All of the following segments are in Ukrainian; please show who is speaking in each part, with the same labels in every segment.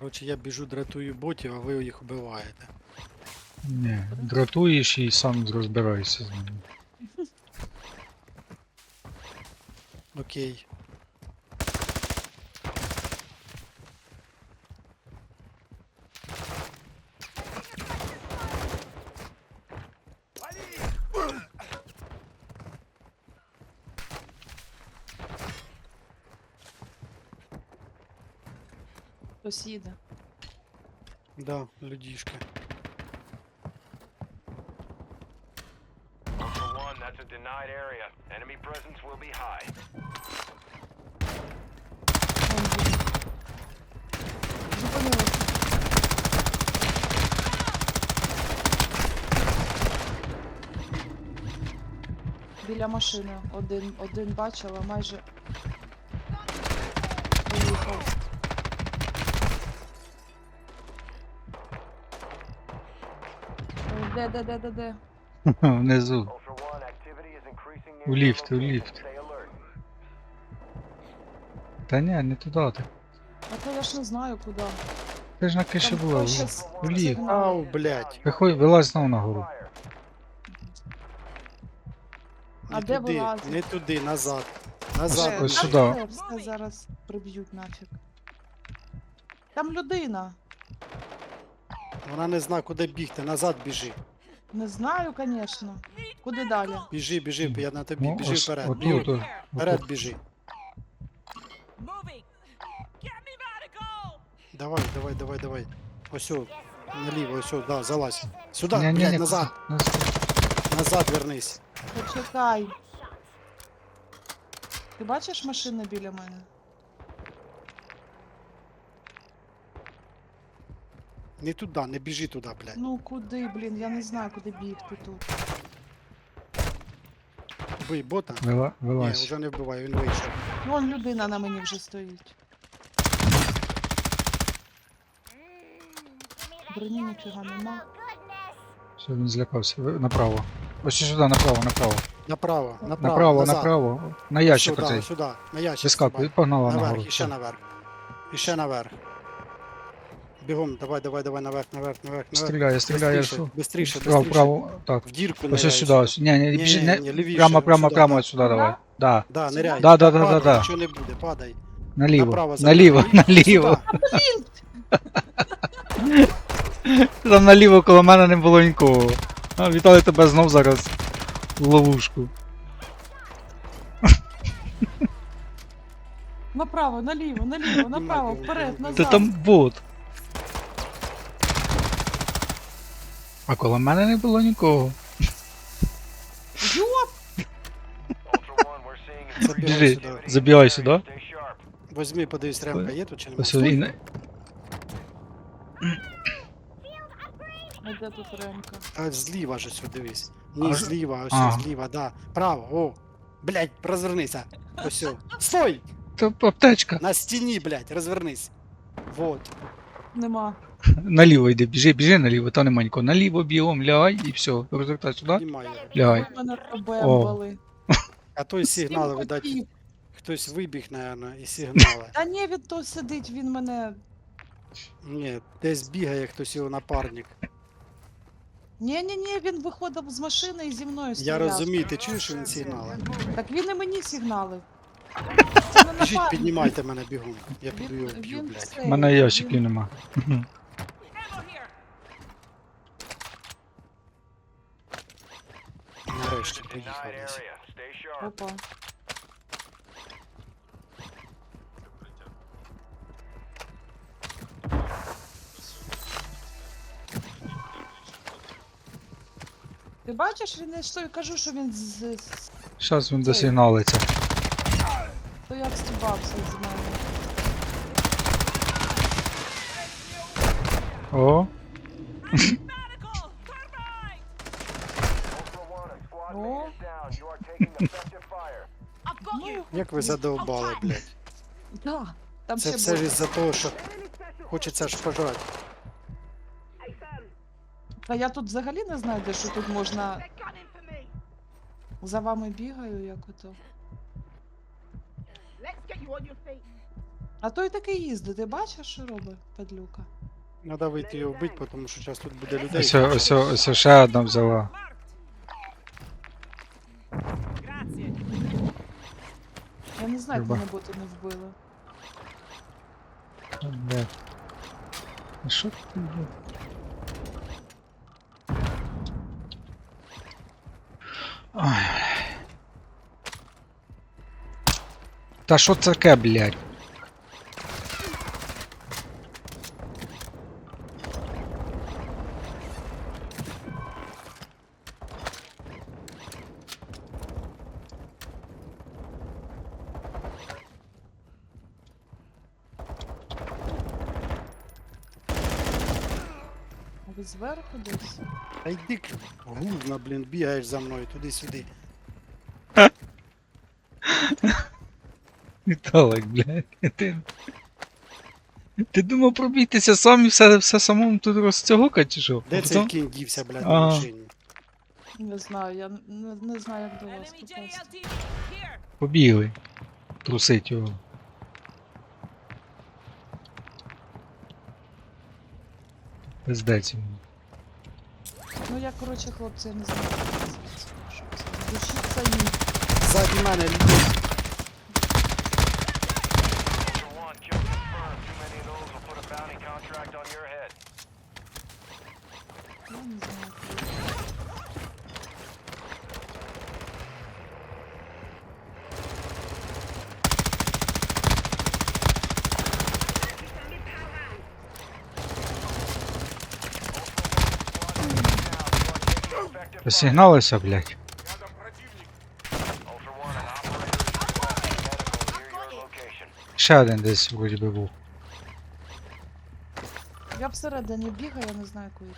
Speaker 1: Коротше, я біжу, дратую ботів, а ви їх вбиваєте.
Speaker 2: Ні, дратуєш і сам розбираєшся з ними.
Speaker 1: Окей.
Speaker 3: Хтось їде.
Speaker 1: Да, людішки.
Speaker 4: Ultra One, that's a denied area. Enemy presence will be high.
Speaker 3: Вон їде. Зупинилися. Біля машини. Один бачила, майже поїхав. Де?
Speaker 2: Внизу.
Speaker 4: Ultra One, activity is increasing near
Speaker 2: У
Speaker 4: your
Speaker 2: ліфт, у
Speaker 4: location.
Speaker 2: ліфт.
Speaker 4: Stay alert.
Speaker 2: Та ні, не туди ти.
Speaker 3: А то я ж не знаю куди.
Speaker 2: Ти ж на криші
Speaker 3: Там
Speaker 2: була.
Speaker 3: хтось щас
Speaker 2: У ліфт.
Speaker 3: сигнал.
Speaker 1: Ау, блядь.
Speaker 2: Виходь, вилазь знову нагору.
Speaker 4: Fire.
Speaker 3: А
Speaker 1: Не
Speaker 3: де
Speaker 1: туди,
Speaker 3: вилазить?
Speaker 1: не туди, назад.
Speaker 2: Ось
Speaker 1: Назад.
Speaker 2: ось
Speaker 3: Там
Speaker 2: сюди.
Speaker 3: все зараз приб'ють нафіг. Там людина.
Speaker 1: Вона не знає, куди бігти. Назад біжи.
Speaker 3: Не знаю, звісно. Куди далі?
Speaker 1: Біжи, я на тобі.
Speaker 2: Ну,
Speaker 1: Біжи
Speaker 2: ось
Speaker 1: вперед.
Speaker 2: отут,
Speaker 1: Біжи, вперед біжи.
Speaker 5: Moving. Get me medical.
Speaker 1: Давай. Ось о, наліво, ось о, да, залазь. Сюди,
Speaker 2: Ні,
Speaker 1: блядь, назад. Назад вернись.
Speaker 3: Почекай. Ти бачиш машини біля мене?
Speaker 1: Не туди, не біжи туди, блядь.
Speaker 3: Ну куди, блін, я не знаю, куди бігти тут.
Speaker 1: Вбий бота. Ні,
Speaker 2: Вилазь.
Speaker 1: вже не вбивай, він вийшов.
Speaker 3: Вон людина на мені вже стоїть. Броні ніфіга нема.
Speaker 2: Все, він злякався. Направо. Ось сюди, направо.
Speaker 1: Направо,
Speaker 2: Направо,
Speaker 1: назад.
Speaker 2: направо. На ящик
Speaker 1: Сюди,
Speaker 2: оцей.
Speaker 1: сюди, на ящик.
Speaker 2: Вискакуй,
Speaker 1: стрибай.
Speaker 2: погнала
Speaker 1: Наверх,
Speaker 2: нагору.
Speaker 1: і ще наверх. І ще наверх. Бігом, давай, наверх.
Speaker 2: Стріляє.
Speaker 1: Бистріше.
Speaker 2: Право, так.
Speaker 1: В дірку
Speaker 2: Ось
Speaker 1: ниряй
Speaker 2: сюди. Ось. Ні, біжи,
Speaker 1: лівіше,
Speaker 2: прямо
Speaker 1: сюди,
Speaker 2: сюди давай. Да.
Speaker 1: Да, ниряй.
Speaker 2: Да.
Speaker 1: Падай, нічого не буде, падай.
Speaker 2: Наліво.
Speaker 1: Направо,
Speaker 2: Наліво.
Speaker 1: Сюди.
Speaker 2: Там наліво коло мене не було нікого. А, вітаю тебе знов зараз в ловушку.
Speaker 3: Направо, наліво, направо, вперед,
Speaker 2: Та
Speaker 3: назад.
Speaker 2: там бот. А коло мене не було нікого.
Speaker 3: Йоп!
Speaker 4: Ultra One, we're seeing
Speaker 1: Забігай
Speaker 2: Біжи,
Speaker 1: сюди.
Speaker 2: забігай сюди.
Speaker 4: Stay sharp.
Speaker 1: Возьми, подивись, ремка є тут чи
Speaker 2: Ось
Speaker 1: немає?
Speaker 2: він.
Speaker 3: А де тут ремка?
Speaker 1: А зліва ж ось, дивись. Ні,
Speaker 2: А,
Speaker 1: зліва, ось
Speaker 2: ага.
Speaker 1: зліва, да. Право, о. Блядь, розвернися. Ось. Стой!
Speaker 2: Та аптечка.
Speaker 1: На стіні, блядь, розвернись. Вот.
Speaker 3: Нема.
Speaker 2: Наліво йди, біжи наліво, там нема нікого. Наліво бігом, лягай і все. Розвертай сюди.
Speaker 1: Немає.
Speaker 2: Лягай.
Speaker 3: Ви мене пробембали.
Speaker 1: А той сигнал,
Speaker 3: Сім
Speaker 1: видать,
Speaker 3: хотів.
Speaker 1: хтось вибіг, наверное, і сигнали.
Speaker 3: Та ні, він тут сидить, він мене.
Speaker 1: Ні, десь бігає хтось його напарник.
Speaker 3: Ні, він виходив з машини і зі мною
Speaker 1: Я
Speaker 3: стріляв.
Speaker 1: розумію, ти чуєш, що він сигнали?
Speaker 3: Так він і мені сигналив. Це не
Speaker 1: Біжіть,
Speaker 3: напарник.
Speaker 1: піднімайте мене бігом. Я піду його вб'ю,
Speaker 3: Він
Speaker 1: блядь.
Speaker 3: все,
Speaker 2: У мене ящиків
Speaker 3: він-
Speaker 2: нема.
Speaker 5: Ammo here.
Speaker 1: Нарешті
Speaker 4: Denied
Speaker 1: приїхав десь.
Speaker 4: area. Stay sharp.
Speaker 3: Опа. Ти бачиш, він не що я кажу, що він
Speaker 2: Зараз він досигналиться.
Speaker 3: то як стібався з мене.
Speaker 2: О,
Speaker 5: Medical. Carbine.
Speaker 4: Ultra One, a squad
Speaker 3: Oh.
Speaker 4: mate is down. You are taking effective fire.
Speaker 5: I've got you.
Speaker 1: Як ви задовбали, блядь.
Speaker 3: Да, там
Speaker 1: Це
Speaker 3: ще
Speaker 1: все ж
Speaker 3: було.
Speaker 1: із-за того, що хочеться ж пожрати.
Speaker 3: Та я тут взагалі не знаю, де що тут можна. За вами бігаю, як ото. А той таки їздить, ти бачиш, що робить падлюка?
Speaker 1: Треба вийти його вбити, тому що зараз тут буде людей.
Speaker 2: Ось ще одна взяла.
Speaker 5: Grazie.
Speaker 3: Я не знаю, як
Speaker 2: Люба.
Speaker 3: мене боти не вбили.
Speaker 2: Блядь. А що ти? блядь? Ой. Та що це таке, блядь?
Speaker 3: А ви зверху десь?
Speaker 1: Та йди к- гузна, блін, бігаєш за мною туди-сюди.
Speaker 2: Віталик, блядь. Ти думав пробігтися сам і все самому тут розцягокати, чи що?
Speaker 1: Де
Speaker 2: А
Speaker 1: цей
Speaker 2: потім-
Speaker 1: кінь дівся, блядь, на
Speaker 2: Ага.
Speaker 1: машині?
Speaker 3: Не знаю, я не знаю, як до вас
Speaker 5: Enemy
Speaker 3: попасти.
Speaker 5: JLT. Here.
Speaker 2: Побігли. Трусить його. Пиздець йому.
Speaker 3: Ну я, коротше, хлопці, я не знаю, як це називається, що це. Душіться їм.
Speaker 1: Ззаді мене людей.
Speaker 4: Ultra One, kill confirmed. Too many of those will put a bounty contract on your head.
Speaker 3: Я не знаю, як це.
Speaker 2: Посігналися, блядь.
Speaker 4: Ultra One, an operator is requesting medical near your location.
Speaker 2: Ще один десь вроді би був.
Speaker 3: Я всередині бігаю, я не знаю, куди.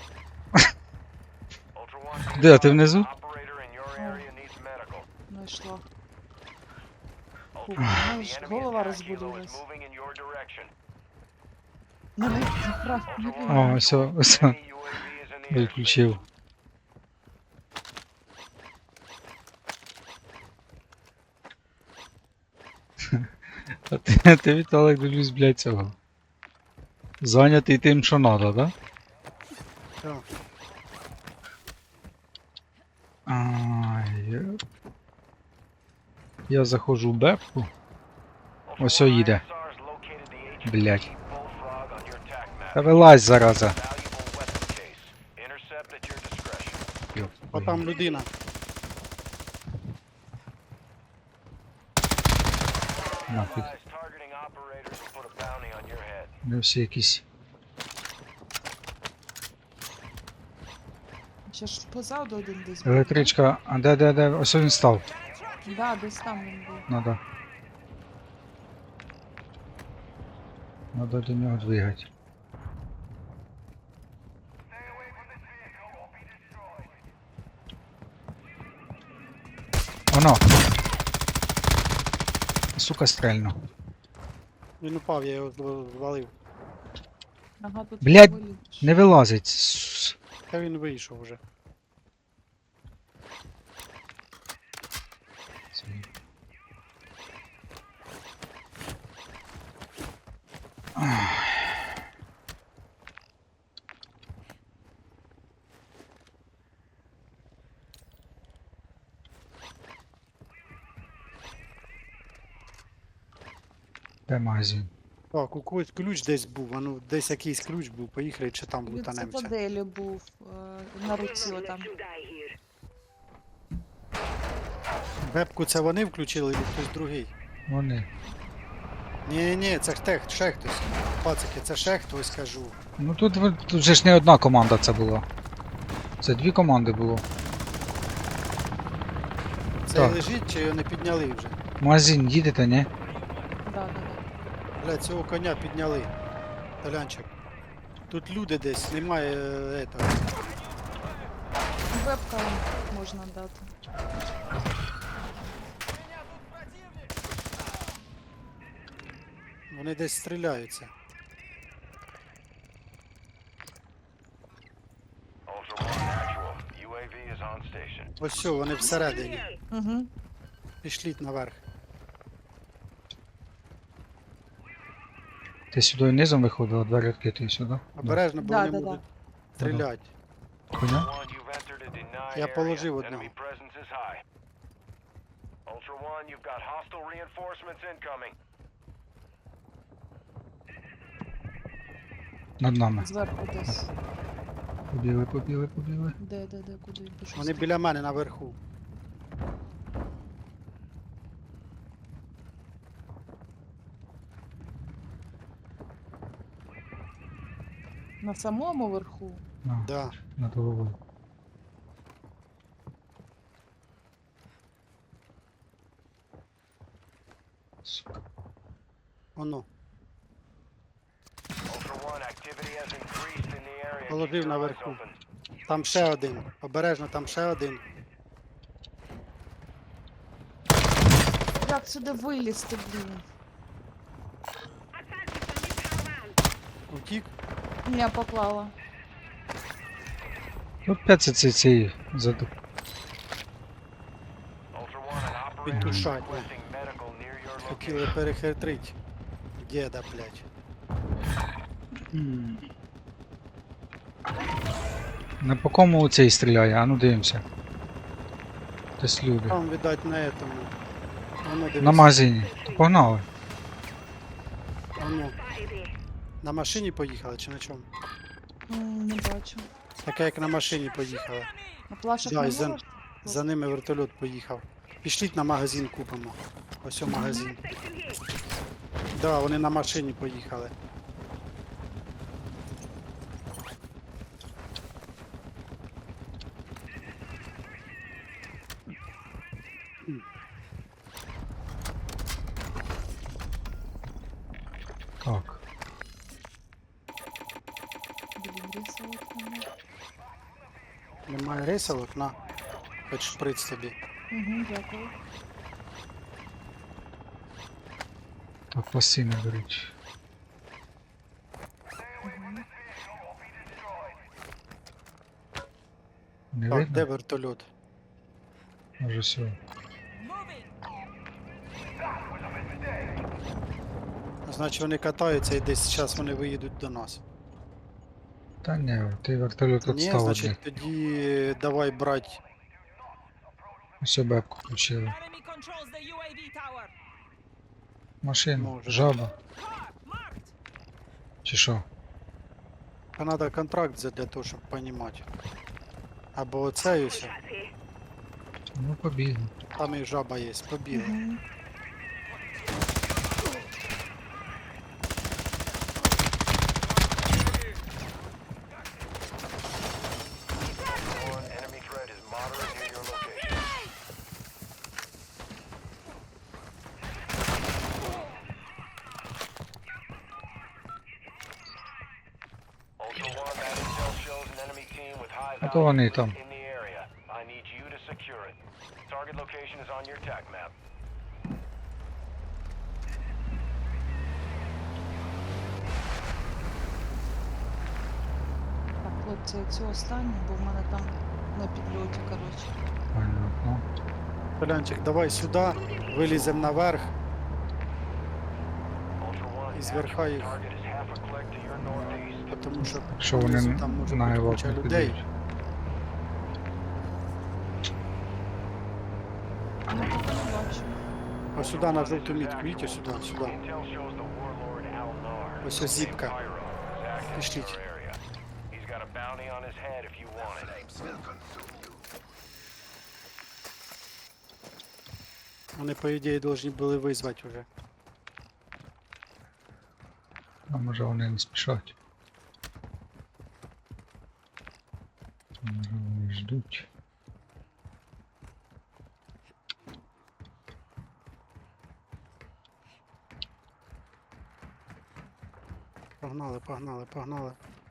Speaker 4: Ultra One,
Speaker 2: Де, ти внизу?
Speaker 4: an operator in your area needs medical.
Speaker 3: Знайшла.
Speaker 4: Ultra
Speaker 3: Фу,
Speaker 4: One,
Speaker 3: мене
Speaker 4: the
Speaker 3: ж
Speaker 4: enemy
Speaker 3: голова
Speaker 4: attack helo is
Speaker 3: розбудилась.
Speaker 4: moving in your direction.
Speaker 3: Не
Speaker 4: Ultra
Speaker 2: О,
Speaker 4: One,
Speaker 2: ось,
Speaker 4: actual,
Speaker 2: ось.
Speaker 4: enemy UAV is in the airspace.
Speaker 2: Виключив. А ти Віталик, дивлюсь, блядь, цього. Зайнятий тим, що надо, да?
Speaker 1: Так.
Speaker 2: Ай, я заходжу в бепку.
Speaker 4: Ultra
Speaker 2: Ось
Speaker 4: One,
Speaker 2: їде.
Speaker 4: ISR has located the HQ
Speaker 2: Блядь.
Speaker 4: Bullfrog on your TAC map.
Speaker 2: Та вилазь, зараза.
Speaker 4: Valuable weapon case. Intercept at your discretion.
Speaker 2: Йоп,
Speaker 1: О, там людина.
Speaker 2: нафіг.
Speaker 4: Allies targeting operators will put a bounty on your head.
Speaker 2: Не всі якісь.
Speaker 3: Ще ж позаду один десь був.
Speaker 2: Електричка, а де? Ось він став.
Speaker 3: Да, десь там він був.
Speaker 2: Надо. Надо до нього двигати. Оно. Сука, стрельну.
Speaker 1: Він упав, я його звалив.
Speaker 3: Ага, тут
Speaker 2: Блядь,
Speaker 3: виліз.
Speaker 2: Не вилазить. С-
Speaker 1: Та він вийшов вже.
Speaker 2: Де магазин?
Speaker 1: Так, у когось ключ десь був, а ну десь якийсь ключ був, поїхали чи там
Speaker 3: Від
Speaker 1: лутанемося.
Speaker 3: цитаделі був на руці отам.
Speaker 1: Вебку це вони включили, чи хтось другий?
Speaker 2: Вони.
Speaker 1: Ні, це ще хтось. Пацики, це ще хтось, кажу.
Speaker 2: Ну тут же ж не одна команда це була. Це дві команди було.
Speaker 1: Це
Speaker 2: Так.
Speaker 1: лежить чи його не підняли вже?
Speaker 2: Магазин їдете, ні?
Speaker 3: Да.
Speaker 1: Бля, цього коня підняли. Толянчик. Тут люди десь, немає этого.
Speaker 3: Вебка можна дати.
Speaker 1: Вони десь стріляються.
Speaker 4: Ultra One, actual. UAV is on station.
Speaker 1: Ось все, вони всередині.
Speaker 3: Угу.
Speaker 1: Пішліть наверх.
Speaker 2: Ти сюди низом виходила, двері відкриті сюди?
Speaker 1: Обережно, бо
Speaker 3: Да,
Speaker 1: вони
Speaker 3: да, да.
Speaker 1: можуть стріляти.
Speaker 2: Коня?
Speaker 4: Ultra One, you've entered a denied
Speaker 1: Я
Speaker 4: area.
Speaker 1: положив одного.
Speaker 4: Enemy presence is high. Ultra One, you've got hostile reinforcements incoming.
Speaker 2: Над нами.
Speaker 3: Зверху десь.
Speaker 2: Побігли, побігли, побігли.
Speaker 3: Де, куди пішов?
Speaker 1: Вони біля мене наверху.
Speaker 3: На самому верху.
Speaker 2: На,
Speaker 1: Да.
Speaker 2: над головою. Сука.
Speaker 1: Воно.
Speaker 4: Ultra One, activity has increased in the area. Keep
Speaker 1: Положив
Speaker 4: your eyes
Speaker 1: наверху.
Speaker 4: open.
Speaker 1: Там ще один. Обережно, там ще один.
Speaker 3: Як сюди вилізти, блін?
Speaker 1: Утік.
Speaker 3: Я поклала.
Speaker 2: Опять ці заду.
Speaker 4: Ultra One, an operator is
Speaker 1: Підтушать.
Speaker 4: requesting medical near your location.
Speaker 1: Хотіли перехитрить. Дєда, блядь.
Speaker 2: Не по кому цей стріляє, а ну дивимося. Десь люди.
Speaker 1: Там, видать, на этому. Воно, дивись.
Speaker 2: На магазині. То погнали.
Speaker 1: Воно. На машині поїхали чи на чому?
Speaker 3: Не бачу.
Speaker 1: Таке як на машині поїхала.
Speaker 3: А плашок
Speaker 1: Да,
Speaker 3: не
Speaker 1: і за,
Speaker 3: можеш?
Speaker 1: за ними вертольот поїхав. Пішліть на магазин купимо. Ось о магазин. Да, вони на машині поїхали.
Speaker 2: Так.
Speaker 3: Блін, рисовок немає.
Speaker 1: Немає рисовок, на. Хоч шприц тобі.
Speaker 3: Угу, дякую.
Speaker 2: Так, пластини беруть. Не
Speaker 1: Так, де
Speaker 2: видно?
Speaker 1: вертольот?
Speaker 2: Може все.
Speaker 5: Moving.
Speaker 1: Значить вони катаються і десь зараз вони виїдуть до нас.
Speaker 2: Та ні, ти вертольот
Speaker 1: Ні,
Speaker 2: відстав від них.
Speaker 1: значить тоді давай брати.
Speaker 2: Ось бебку включили.
Speaker 5: Enemy controls the UAV tower.
Speaker 2: Машина,
Speaker 1: Може.
Speaker 2: жаба.
Speaker 5: Car marked.
Speaker 2: Чи що?
Speaker 1: А треба контракт для того, щоб розуміти. Або оце і все.
Speaker 2: Ну побігли.
Speaker 1: Там і жаба є, побігли.
Speaker 3: Угу.
Speaker 4: One, enemy threat is moderate near your location. Ultra One, that intel shows an enemy team with high
Speaker 2: А то вони там.
Speaker 4: in the area. I need you to secure it. Target location is on your TAC map.
Speaker 3: Так, хлопці, цю останню, бо в мене там на підльоті, коротше.
Speaker 2: Понятно.
Speaker 1: Полянчик, давай сюди, виліземо наверх.
Speaker 4: Ultra One,
Speaker 1: Із верха їх.
Speaker 4: target is half a click to your northeast.
Speaker 1: Тому що
Speaker 2: Якщо вони
Speaker 1: внизу там може
Speaker 2: на
Speaker 1: бути
Speaker 2: його
Speaker 1: куча
Speaker 2: не
Speaker 1: людей.
Speaker 2: підуть.
Speaker 3: Ну, поки не бачу.
Speaker 1: Ось сюди на жовту мітку, бачите, сюди, сюди.
Speaker 4: Intel shows the warlord Al-Nar.
Speaker 1: Ось ось зіпка.
Speaker 4: Pyro is active in
Speaker 1: Пішліть.
Speaker 4: your area. He's got a bounty on his head if you want it.
Speaker 1: Вони, по ідеї, повинні були визвати вже.
Speaker 2: А може вони не спішать. Може вони ждуть.
Speaker 1: Погнали, погнали, погнали.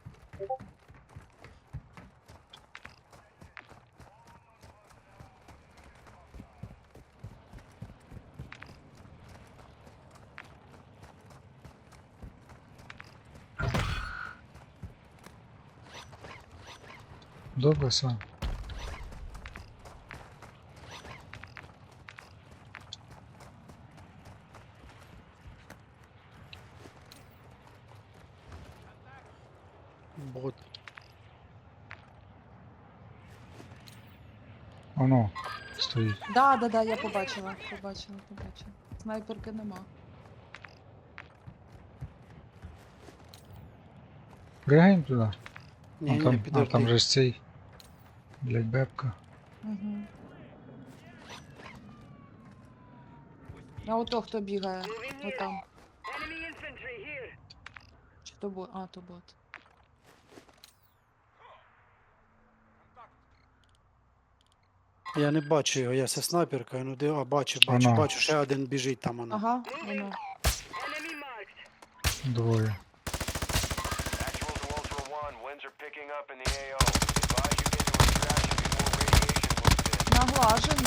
Speaker 2: Добре, сам.
Speaker 1: Бот.
Speaker 2: Воно стоїть.
Speaker 3: Да, я побачила. Снайперки нема.
Speaker 2: Пригаємо туди.
Speaker 1: Ні, ні,
Speaker 2: там
Speaker 1: підожди.
Speaker 2: же ж цей. Блять, бебка.
Speaker 3: Угу. А ото хто бігає? Отам. Чи то бот? А, то бот.
Speaker 1: Я не бачу його, я зі снайперкою, ну де, бачу,
Speaker 2: Ано.
Speaker 1: бачу, ще один біжить там воно.
Speaker 3: Ага, воно.
Speaker 2: Двоє.
Speaker 4: Actual to Ultra One, winds are picking up in the AO. Advise you get to extraction before radiation moves in.
Speaker 3: Наглажені.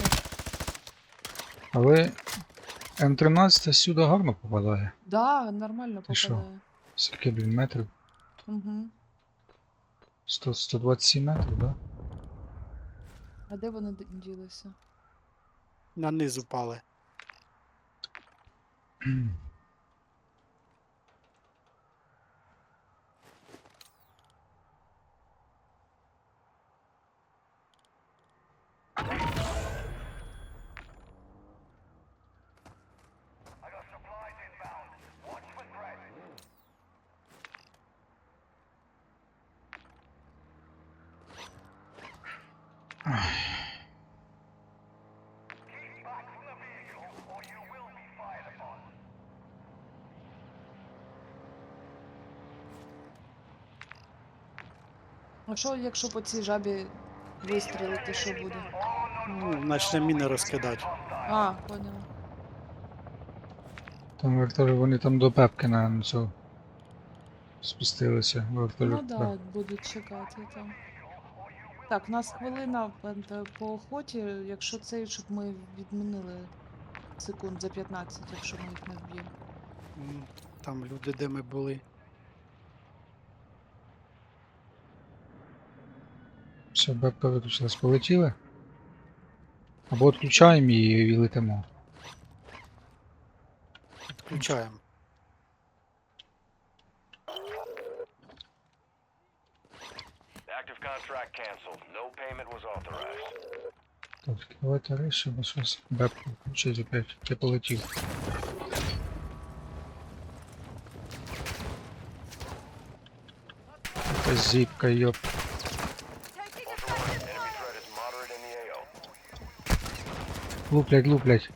Speaker 2: Але М13 сюди гарно попадає.
Speaker 3: Да, нормально
Speaker 2: Ти що?
Speaker 3: попадає.
Speaker 2: Скільки, блін, метрів?
Speaker 3: Угу.
Speaker 2: 127 метрів, да?
Speaker 3: А де вони ділися?
Speaker 1: На низ упали.
Speaker 3: А що, якщо по цій жабі вистрілити, що буде?
Speaker 1: Ну, почне міни розкидати.
Speaker 3: А, поняла.
Speaker 2: Там вертолі, вони там до пепки на цю спустилися. Вертолі.
Speaker 3: Ну да, будуть чекати там. Так, в нас хвилина по охоті, якщо цей, щоб ми відмінили секунд за 15, якщо ми їх не вб'ємо.
Speaker 1: Там люди, де ми були.
Speaker 2: Все, бепка виключилась. Полетіли? Або відключаємо її і летимо.
Speaker 1: Включаємо.
Speaker 4: Active contract canceled. No payment was authorized.
Speaker 2: Так, давайте рейс, бо щось бепку включить опять. Я полетів. Якась зіпка, йоп.
Speaker 4: Ultra One, enemy threat is moderate in the AO.
Speaker 2: Луплять, луплять.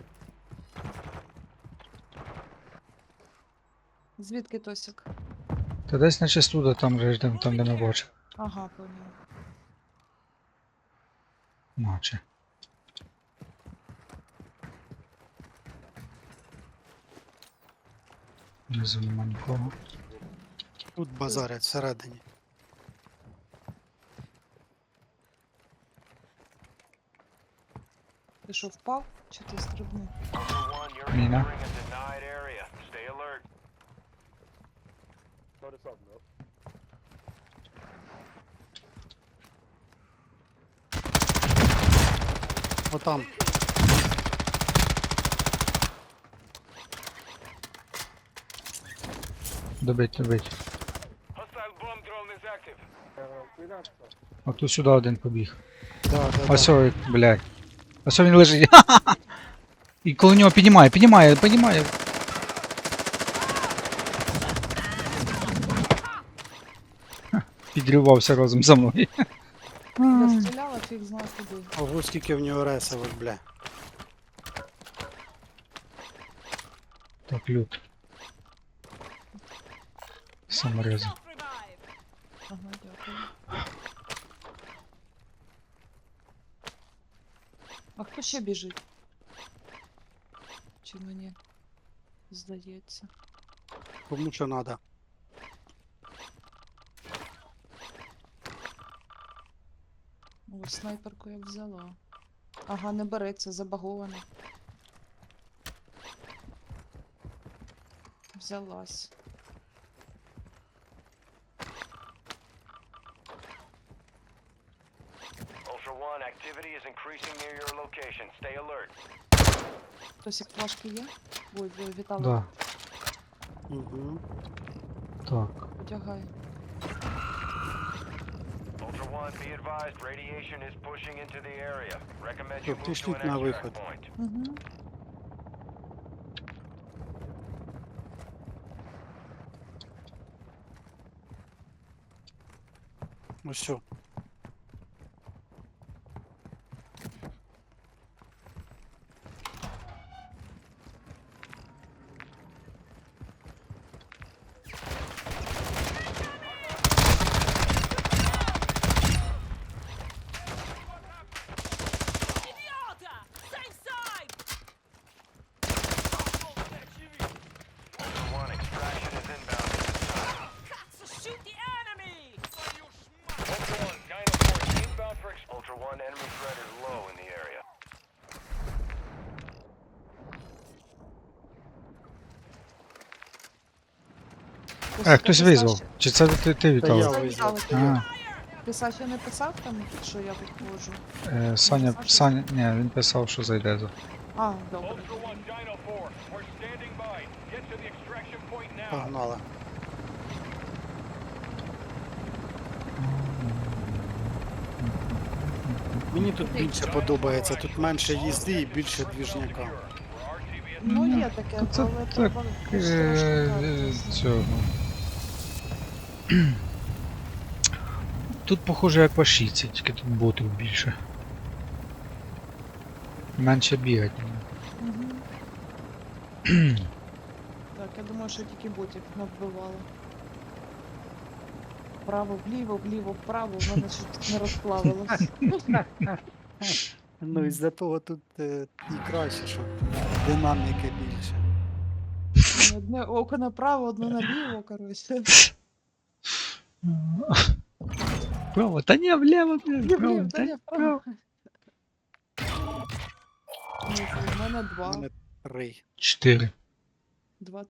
Speaker 3: Звідки Тосік?
Speaker 2: Та десь наче студа, там же ж там, де ми бачимо.
Speaker 3: Ага, поняла.
Speaker 2: Наче. Внизу нема нікого.
Speaker 1: Тут базарять всередині.
Speaker 3: Ти що, впав? Чи ти стрибнув?
Speaker 4: Ultra One, you're
Speaker 2: Mina.
Speaker 4: entering a denied area. Stay alert.
Speaker 1: Отам.
Speaker 2: Добить, добить.
Speaker 4: Hostile bomb drone is active.
Speaker 2: От тут сюди один побіг.
Speaker 1: Да.
Speaker 2: Ось ой, блядь. Ось він лежить. І коло нього піднімає. Ха, підривався разом за мною.
Speaker 3: Я стріляла, фіг знав куди.
Speaker 1: Ого, скільки в нього ресових, бля.
Speaker 2: Так, лют. Саморези.
Speaker 5: Self-revive.
Speaker 3: Ага, дякую. А хто ще біжить? Чи мені здається?
Speaker 1: Кому що надо.
Speaker 3: Ось снайперку я взяла. Ага, не береться, забагована. Взялась.
Speaker 4: Ultra One, activity is increasing near your location. Stay alert.
Speaker 3: Хтось як флажки є? Ой, Віталій,
Speaker 2: Да,
Speaker 1: Угу.
Speaker 2: так.
Speaker 3: одягай.
Speaker 4: One, be advised, radiation is pushing into the area. Recommend you
Speaker 1: Що,
Speaker 4: move to
Speaker 1: пішліть
Speaker 4: an
Speaker 1: на
Speaker 4: extract
Speaker 1: виход.
Speaker 4: point.
Speaker 3: Угу.
Speaker 1: Ось що.
Speaker 5: Idiota! Same side!
Speaker 4: Ultra One, extraction is inbound at this time.
Speaker 5: So shoot the enemy!
Speaker 4: Ultra One, Dino 4 inbound for Ultra One, enemy threat is low in the area.
Speaker 2: Хтось визвав. Чи це ти
Speaker 1: Та я
Speaker 2: Віталик?
Speaker 3: Це
Speaker 1: визвав.
Speaker 3: Віталик.
Speaker 2: А,
Speaker 3: Ти Саші не писав там, що я виходжу?
Speaker 2: Саня, ні, він писав, що зайде за.
Speaker 3: А, добре.
Speaker 4: Ultra One, Dino 4, we're standing by. Get to the extraction point now.
Speaker 1: Погнали. Мені тут більше подобається, тут менше їзди і більше двіжняка.
Speaker 3: Ну, є таке,
Speaker 2: Це
Speaker 3: але
Speaker 2: так,
Speaker 3: треба
Speaker 2: Цього. Тут похоже як в Ашіці, тільки тут ботів більше. Менше бігать.
Speaker 3: Так, я думаю, що тільки ботів навбивали. Вправо, вліво, вліво, вправо, в мене щось не розплавилось.
Speaker 1: Ну і з-за того тут і краще, що динаміки більше.
Speaker 3: Одне око направо, одне наліво, коротше.
Speaker 2: Право, та ні, вліво, право,
Speaker 3: Вліво,
Speaker 2: та
Speaker 3: та
Speaker 2: ні,
Speaker 3: ні,
Speaker 2: право.
Speaker 3: вправо. Ні, це в мене
Speaker 1: У
Speaker 3: два.
Speaker 1: мене 3.
Speaker 2: 4.
Speaker 3: Два